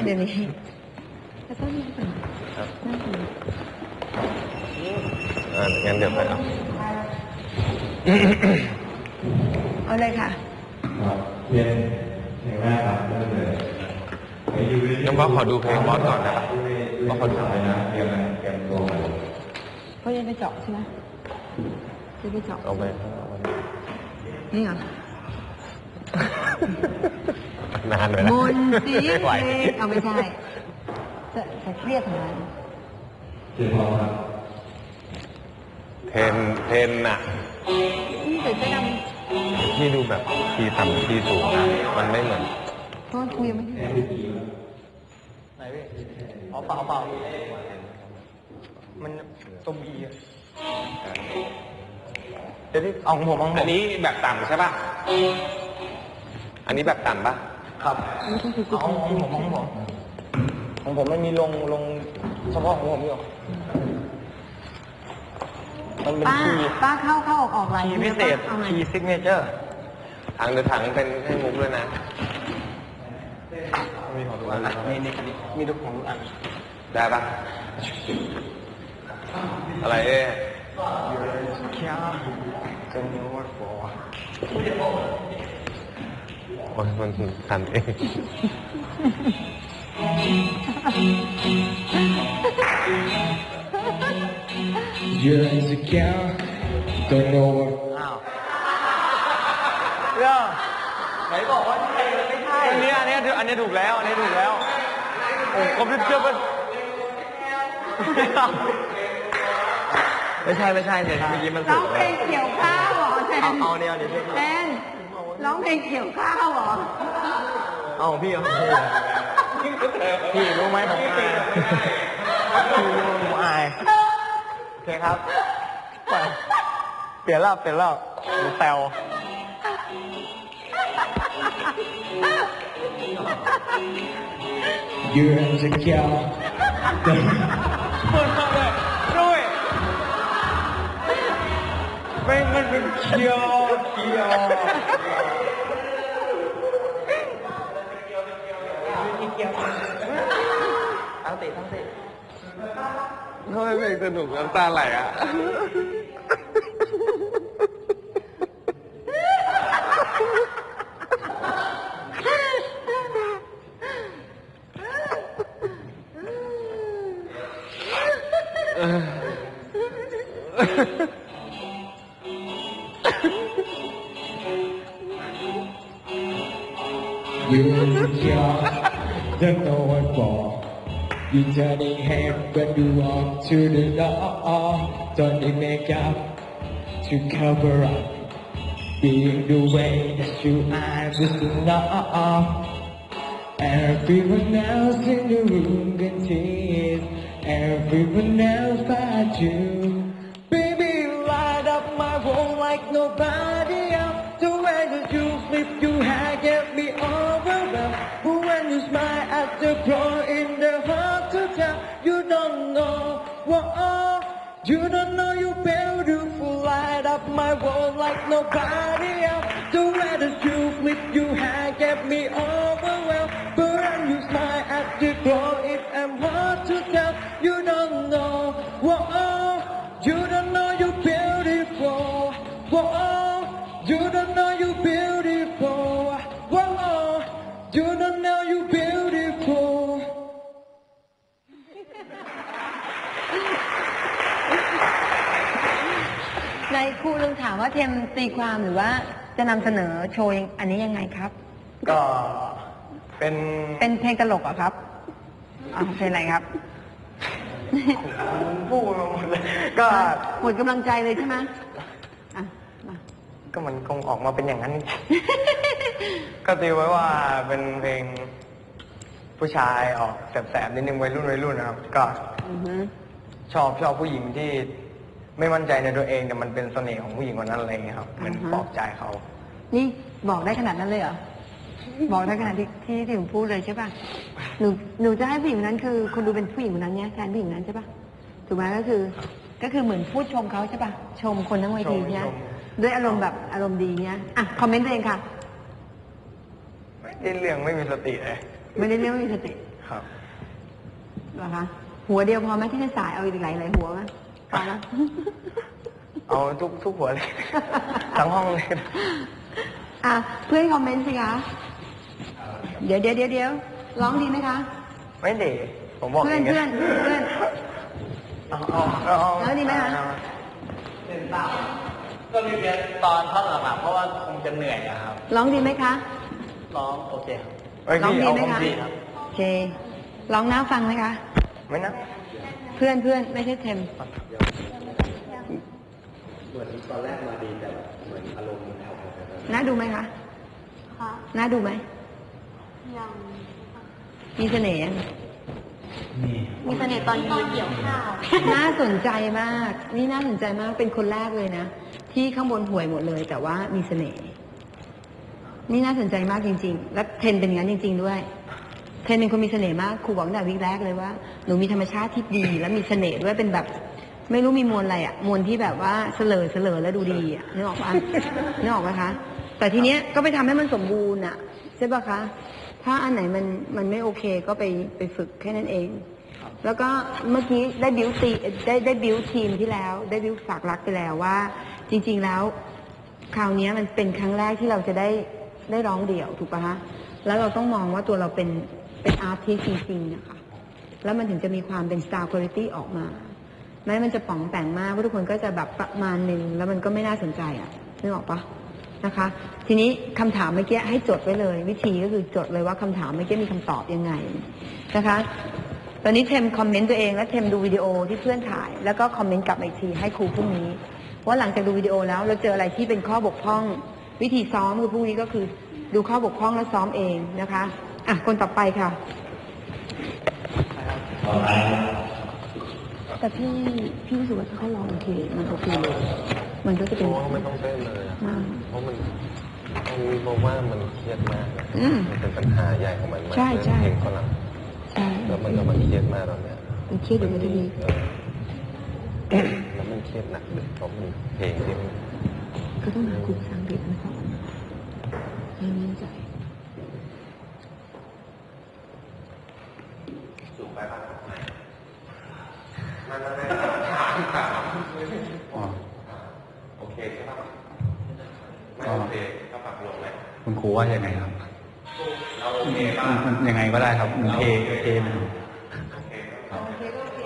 เดี๋ยวนี้จะต้องมีก่อนงั้นเดี๋ยวไปเอาเลยค่ะเรียนเพลงแรกครับเริ่มเลยงั้นว่าขอดูเพลงบอสก่อนนะว่าขอดูอะไรนะเตรียมตัวมาเขายังไปเจาะใช่ไหมจะไปเจาะเอาไปนี่เหรอนานเลยนะมนสีเอาไม่ใช่จะเครียดทำไมเรียนพอครับเทนน่ะใส่เสื้อดำที่ดูแบบทีต่ำทีสูงมันไม่เหมือนเพราะคุยยังไม่ถึงไหนพี่เปล่ามันตัวบีอ่ะเดี๋ยวที่เอาของผมอันนี้แบบต่ำใช่ป่ะอันนี้แบบต่ำป่ะครับเอาของผมไม่มีลงเฉพาะของผมอยู่มันเป็นป้าเข้าออกอะไรคีย์พิเศษคีย์ซิกเนเจอร์ถังเป็นให้มุกด้วยนะมีของทุกอันมีทุกของทุกอันได้ปะอะไรแค่จะมีว่าฟอโอ้ยมันทันเอง You're insecure don't know what อ้าวเรื่องไหนบอกว่าไม่ใช่อันนี้ถูกแล้วอันนี้ถูกแล้วโอ้คอมพิวเตอร์ไม่ใช่เดี๋ยวเมื่อกี้มันร้องเพลงเกี่ยวข้าวเหรอแทนเอาเนี่ยแทนร้องเพลงเกี่ยวข้าวเหรอเอาพี่พี่รู้ไหมผมอายโอเคครับเปลี่ยนแล้วแซว You're insecure เปิดมาเลยด้วยมันเป็นเคียวทั้งติทำไมเพลงสนุกน้ำตาไหลอ่ะ You're insecure don't know what for You turning head when you walk to the door Don't need makeup to cover up Being the way that you are just enough Everyone else in the room can see it Everyone else but you Baby you light up my world like nobody else The way that you flip your hair get me overwhelmed But when you smile at the crow in the heart to tell You don't know what You don't know you're beautiful Light up my world like nobody else The way that you flip your hair get me overwhelmed But when you smile at the crow it am hard to tell You don't know what You don't know you're beautiful You don't know you're beautiful You don't know you're beautiful ในครูลุงถามว่าเทมตีความหรือว่าจะนำเสนอโชว์อันนี้ยังไงครับก็เป็นเพลงตลกเหรอครับเพลงอะไรครับพูดหมดเลยก็หมดกำลังใจเลยใช่ไหมก็มันคงออกมาเป็นอย่างนั้น ก็ตีไว้ว่าเป็นเพลงผู้ชายออกแสบๆนิดนึงวัยรุ่นนะครับก็ชอบผู้หญิงที่ไม่มั่นใจในตัวเองแต่มันเป็นเสน่ห์ของผู้หญิงคนนั้นอะไรเงี้ยครับมันปลอบใจเขานี่บอกได้ขนาดนั้นเลยเหรอบอกได้ขนาดที่ผมพูดเลยใช่ป่ะหนูจะให้ผู้หญิงคนนั้นคือคนดูเป็นผู้หญิงคนนั้นเนี่ยแทนผู้หญิงนั้นใช่ป่ะถูกไหมก็คือเหมือนพูดชมเขาใช่ป่ะชมคนทั้งเวทีเนี่ยด้วยอารมณ์แบบอารมณ์ดีเนี่ยคอมเมนต์ตัวเองค่ะไม่ได้เรื่องไม่มีสติเลยไม่ได้เรื่องไม่มีสติครับเหรอคะ หัวเดียวพอไหมที่จะสายเอาอีกหลายหัวไหมพอแล้วเอาทุกหัวเลย ทั้งห้องเลยอ่ะเพื่อนคอมเมนต์สิคะ เดี๋ยวร้องดีไหมคะไม่เด็ผมบอกเพื่อนงเพื่อนเพื่อนเอาแล้วดีไหมคะก็มีเพียงตอนท่อนหลังๆเพราะว่าคงจะเหนื่อยอะครับร้องดีไหมคะร้องโอเคครับเอ้ยร้องพี่ดีเอาไหมคอมคะดีครับโอเค ร้องน่าฟังไหมคะไม่นะเพื่อนไม่ใช่เทมเหมือนตอนแรกมาดีแต่เหมือนอารมณ์มันแผ่วๆน่าดูไหมคะ น่าดูไหม มีเสน่ห์ยังมีเสน่ห์ตอนยืนเกี่ยวข้าวน่าสนใจมาก นี่น่าสนใจมาก เป็นคนแรกเลยนะ ที่ข้างบนห่วยหมดเลย แต่ว่ามีเสน่ห์ นี่น่าสนใจมากจริง ๆ และเทนเป็นอย่างนั้นจริง ๆ ด้วย เทนเป็นคนมีเสน่ห์มาก ครูบอกตั้งแต่วิกแรกเลยว่า หนูมีธรรมชาติที่ดี และมีเสน่ห์ด้วย เป็นแบบ ไม่รู้มีมวลอะไรอะมวลที่แบบว่าเสลอแล้วดูดีอะนึกออกปะนึกออกไหมคะ แต่ทีเนี้ยก็ไปทำให้มันสมบูรณ์อะใช่ปะคะ ถ้าอันไหนมันไม่โอเคก็ไปฝึกแค่นั้นเอง แล้วก็เมื่อกี้ได้บิวทีมที่แล้ว ได้บิวฝากรักไปแล้วว่า จริง ๆแล้ว คราวนี้มันเป็นครั้งแรกที่เราจะได้ร้องเดี่ยวถูกปะคะ แล้วเราต้องมองว่าตัวเราเป็นอาร์ติสต์จริงๆนะคะ แล้วมันถึงจะมีความเป็น style quality ออกมา แม้มันจะป๋องแต่งมากเพราะทุกคนก็จะแบบประมาณหนึ่งแล้วมันก็ไม่น่าสนใจอ่ะนึกออกปะนะคะ ทีนี้คำถามเมื่อกี้ให้จดไว้เลย วิธีก็คือจดเลยว่าคำถามเมื่อกี้มีคำตอบยังไงนะคะ ตอนนี้เทมคอมเมนต์ตัวเองและเทมดูวิดีโอที่เพื่อนถ่าย แล้วก็คอมเมนต์กลับมาอีกทีให้ครูพรุ่งนี้ ว่าหลังจากดูวิดีโอแล้วเราเจออะไรที่เป็นข้อบกพร่อง วิธีซ้อมคือพรุ่งนี้ก็คือดูข้อบกพร่องแล้วซ้อมเองนะคะอ่ะคนต่อไปค่ะ แต่พี่รู้สึกว่าถ้าเขาลองโอเคมันโอเคเลยมันก็จะเป็นเพราะว่าไม่ต้องเต้นเลยอะเพราะมันบอกว่ามันเครียดมากนะมันเป็นปัญหาใหญ่ของมันมากใช่เพลงฝรั่งใช่แล้วมันก็มันเครียดมากตอนเนี้ยมันเครียดอยู่ในที่นี้แล้วมันเครียดหนักเลยเพราะมันเพลงที่มันก็ต้องหาครูภาษาอังกฤษมาสอนให้มั่นใจสูงไปป่ะมันโอเคใช่ป่ะไม่โอเคก็ปรับลงไหมคุณครูว่ายังไงครับเราโอเคป่ะมันยังไงก็ได้ครับมันเทมันโอเคก็โอเค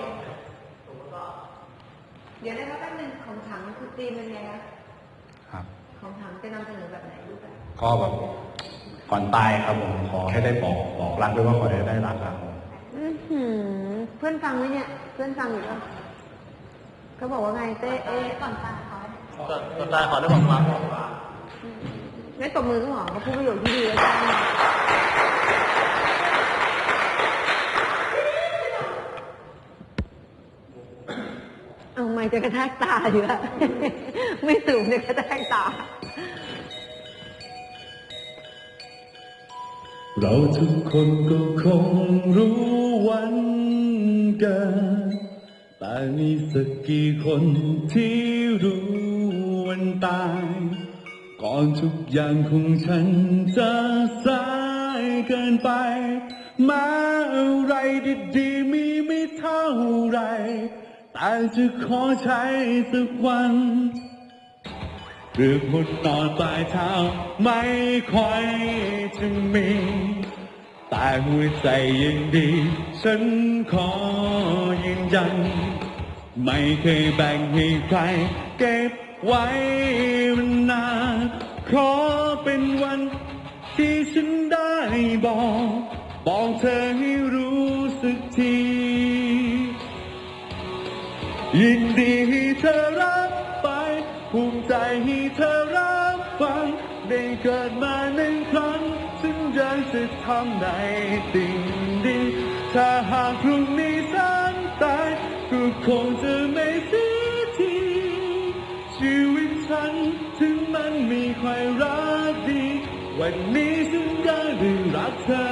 เดี๋ยวนะคะแป๊บนึงของถังคือตีมเป็นไงคะครับของถังจะนำเสนอแบบไหนรูปแบบก็แบบก่อนตายครับผมขอให้ได้บอกรักด้วยว่าขอให้ได้รักครับเพื่อนฟังไหมเนี่ย เพื่อนฟังอยู่ป่ะเขาบอกว่าไงเต้ก่อนตาเขาก่อนตายขอได้บอกรักไม่ตบมือก็หรอเขาพูดประโยชน์ที่ดีแล้วจ้าเอาไม่จะกระแทกตาอยู่อะ ไม่สูงจะกระแทกตาเราทุกคนก็คงรู้วันกันแต่มีสักกี่คนที่รู้วันตายก่อนทุกอย่างของฉันจะสายเกินไปมาอะไรดีๆมีไม่เท่าไรแต่จะขอใช้สักวันเรื่องหมดนอนปลายเท้าไม่ค่อยจะมี แต่หัวใจยังดี ฉันขอยืนยัน ไม่เคยแบ่งให้ใครเก็บไว้มันนานขอเป็นวันที่ฉันได้บอกเธอให้รู้สึกที ยินดีให้เธอรับไปภูมิใจให้เธอรับฟังได้เกิดมาหนึ่งครั้งฉันอยากจะทำในสิ่งดีถ้าหากพรุ่งนี้ฉันตายก็คงจะไม่เสียทีชีวิตฉันถึงมันมีใครรักดีวันนี้ฉันอยากได้รักเธอ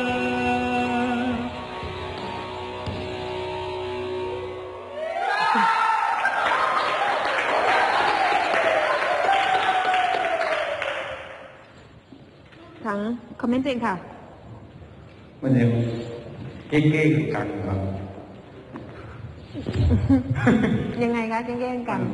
ถังคอมเมนต์ตัวเองค่ะมันยังเก้งๆกันครับยังไงคะแกล้งๆกัน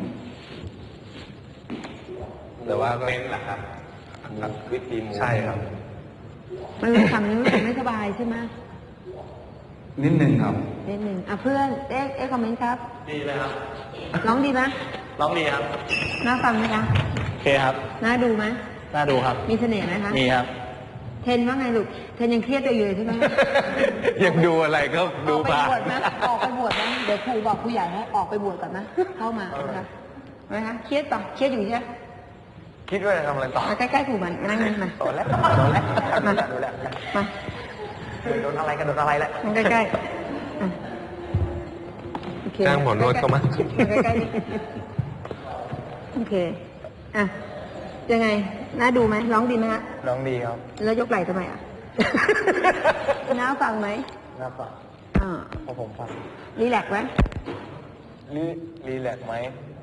แต่ว่าก็เป็นแหละครับวิธีมูใช่ครับมันรู้สึกรู้สึกไม่สบายใช่ไหมนิดนึงครับนิดหนึ่งอ่ะเพื่อนคอมเมนต์ครับดีเลยครับร้องดีไหมร้องดีครับน่าฟังไหมคะโอเคครับน่าดูไหมน่าดูครับมีเสน่ห์ไหมคะมีครับเทนว่าไงลูกเทนยังเครียดตัวอยู่เลยใช่ไหมยังดูอะไรก็อดูอกไปผ่านบวชไหมออกไปบวชไหมเดี๋ยวครูบอกครูใหญ่ให้ออกไปบวชก่อนนะเข้ามานะคะไหมคะเครียดปะเครียดอยู่ใช่ไหมคิดว่าจะทำอะไรต่อมาใกล้ๆครูมันนั่งนี่มาโดนแล้วมาดูแล้วมาโดนอะไรกันโดนอะไรแล้วนั่งใกล้ๆอ่ะโอเคจ้างหมอนวดเข้ามาใกล้ๆดิโอเคอ่ะยังไงน่าดูไหมร้องดีไหมฮะน้องดีครับแล้วยกไหล่ทำไมอ่ะ น้าฟังไหมน่าฟังอ่าพอผมฟังรีแลกซ์ไหมรีแลกซ์ไหม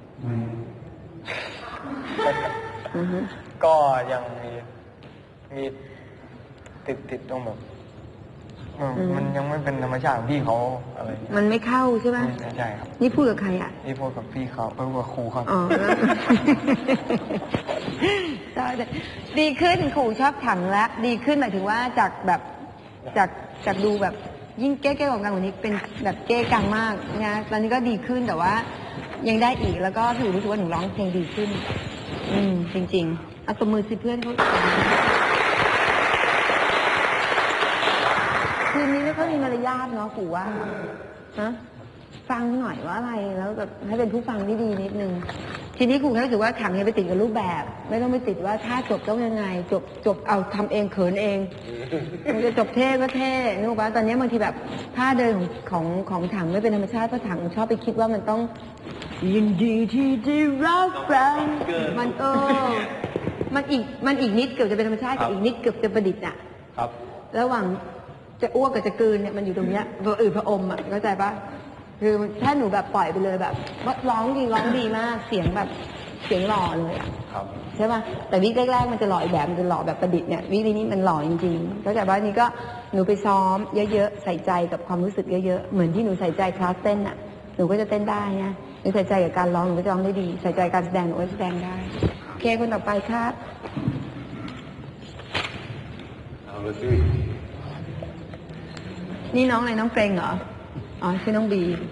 อือฮึก็ยังมีติดตรงแบบมันยังไม่เป็นธรรมชาติของพี่เขาอะไรอย่างเงี้ยมันไม่เข้าใช่ไหมไม่ใช่ครับนี่พูดกับใครอ่ะนี่พูดกับพี่เขาพูดกับครูครับอ๋อแล้ว ดีขึ้นขู่ชอบถังแล้วดีขึ้นหมายถึงว่าจากแบบจากดูแบบยิ่งเก้ๆของกันกว่านี้เป็นแบบเก้กังมากนะตอนนี้ก็ดีขึ้นแต่ว่ายังได้อีกแล้วก็ถือรู้สึกว่าหนูร้องเพลงดีขึ้น จริงๆเอาตัวมือสิเพื่อนเขาคืนนี้ไม่ค่อยมีมารยาทเนาะขู่ว่าฮะฟังหน่อยว่าอะไรแล้วแบบให้เป็นผู้ฟังที่ดีนิดนึงทีนี้ครูแค่รู้สึกว่าขังเนี่ยไปติดกับรูปแบบ ไม่ต้องไปติดว่าถ้าจบต้องยังไงจบเอาทำเองเขินเองมันจะจบเท่ก็เท่นึกว่าตอนนี้บางทีแบบท่าเดินของถังไม่เป็นธรรมชาติเพราะถังชอบไปคิดว่ามันต้องยินดีที่ได้รับฟังมันอีกนิดเกือบจะเป็นธรรมชาติกับอีกนิดเกือบจะประดิษฐ์อ่ะครับระหว่างจะอ้วกกับจะกลืนเนี่ยมันอยู่ตรงเนี้ยพอพระอมอ่ะเข้าใจปะคือถ้าหนูแบบปล่อยไปเลยแบบว่าร้องจริงร้องดีมากเสียงแบบเสียงหล่อเลยอ่ะครับใช่ปะแต่วิกแรกๆมันจะหล่ออีกแบบมันจะหล่อแบบประดิษฐ์เนี่ยวิกนี้มันหล่อจริงๆเข้าใจปะนี่ก็หนูไปซ้อมเยอะๆใส่ใจกับความรู้สึกเยอะๆเหมือนที่หนูใส่ใจคลาสเต้นอ่ะหนูก็จะเต้นได้นะหนูใส่ใจกับการร้องหนูก็จะร้องได้ดีใส่ใจการแสดงหนูก็แสดงได้โอเคคนต่อไปครับเอาเลยสินี่น้องอะไรน้องเกรงเหรออ๋อชื่อน้องบี